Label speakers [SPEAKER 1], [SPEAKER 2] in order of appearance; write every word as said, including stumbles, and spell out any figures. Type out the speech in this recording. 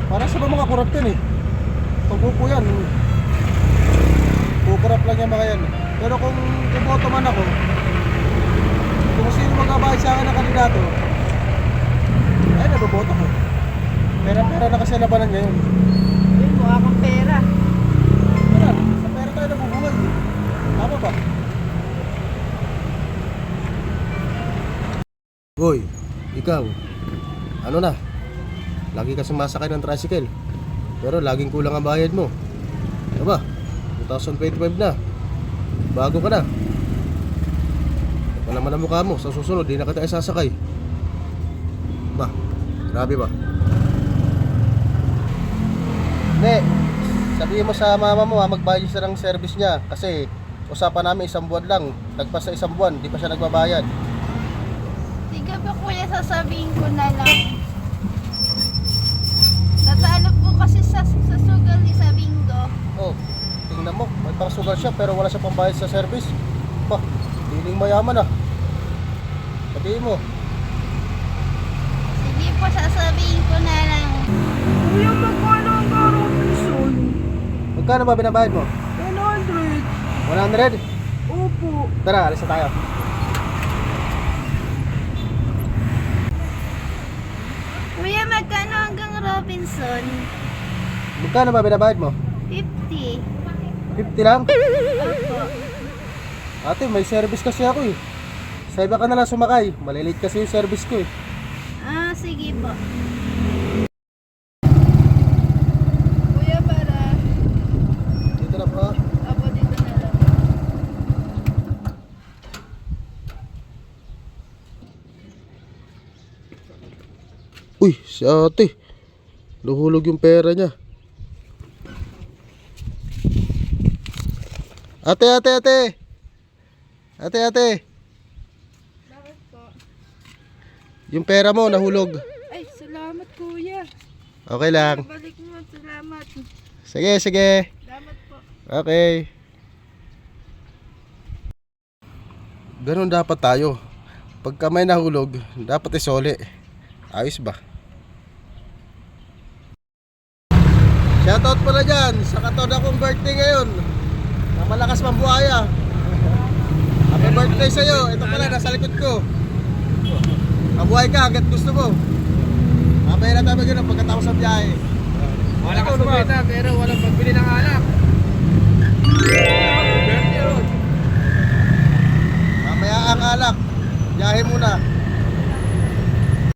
[SPEAKER 1] Para sa mga kurap yan eh. Pagbupo yan, kukurap lang yan mga yan. Pero kung kumoto man ako, kung sino magbabayad sa akin ng kandidato, ay naboboto ko. Pera-pera na kasi labanan ngayon.
[SPEAKER 2] Yun, mukha kang pera.
[SPEAKER 1] Wala, sa pera tayo nabubuhay eh. Tama ba? Boy, ikaw, ano na? Lagi ka sumasakay ng tricycle, pero laging kulang ang bayad mo. Ano ba? twenty twenty-five na. Bago ka na. Wala man ang mukha mo. Sa susunod, di na kita isasakay. Ba? Grabe ba? Hindi. Sabihin mo sa mama mo ha, magbayad siya ng service niya. Kasi usapan namin isang buwan lang. Nagpas sa isang buwan, di pa siya nagbabayad.
[SPEAKER 2] Sige ba kuya, sasabihin ko na lang. Natalo po kasi sa, sa sugal ni sa bingo.
[SPEAKER 1] Oh, tingnan mo, may pang sugar siya pero wala siya pambayad sa service. Bah, piling mayaman ah. Sabihin mo.
[SPEAKER 2] Sige po, sasabihin ko na lang.
[SPEAKER 3] Kuya, magkano ang Robinson?
[SPEAKER 1] Magkano ba binabayad mo?
[SPEAKER 3] one hundred.
[SPEAKER 1] one hundred?
[SPEAKER 3] Opo.
[SPEAKER 1] Tara, alis na tayo.
[SPEAKER 2] Kuya, magkano hanggang Robinson?
[SPEAKER 1] Magkano ba binabayad mo?
[SPEAKER 2] fifty.
[SPEAKER 1] fifty lang?
[SPEAKER 2] Opo.
[SPEAKER 1] Ate, may service kasi ako eh. Sa iba ka na lang sumakay. Malilate kasi yung service ko eh.
[SPEAKER 2] Ah, sige po. Kuya, para.
[SPEAKER 1] Dito na po.
[SPEAKER 2] Opo, dito na lang.
[SPEAKER 1] Uy, si ate. Nahulog yung pera niya. Ate, ate, ate. Ate, ate.
[SPEAKER 2] Bakit po?
[SPEAKER 1] Yung pera mo nahulog.
[SPEAKER 2] Ay, salamat kuya.
[SPEAKER 1] Okay lang.
[SPEAKER 2] Balik mo, salamat.
[SPEAKER 1] Sige, sige.
[SPEAKER 2] Salamat po.
[SPEAKER 1] Okay. Ganun dapat tayo. Pagka may nahulog, dapat isoli. Ayos ba? Shoutout pala dyan sa katod akong birthday ngayon. Na malakas mambuhaya. Happy birthday sa'yo. Ito pala, nasa likod ko. Mabuhay ka hanggat gusto mo. Mamaya na tayo mag-inom pagkatapos ng biyahe.
[SPEAKER 4] Wala ka sumita pero walang pagbili ng alak.
[SPEAKER 1] Mamaya ang alak. Biyahe muna.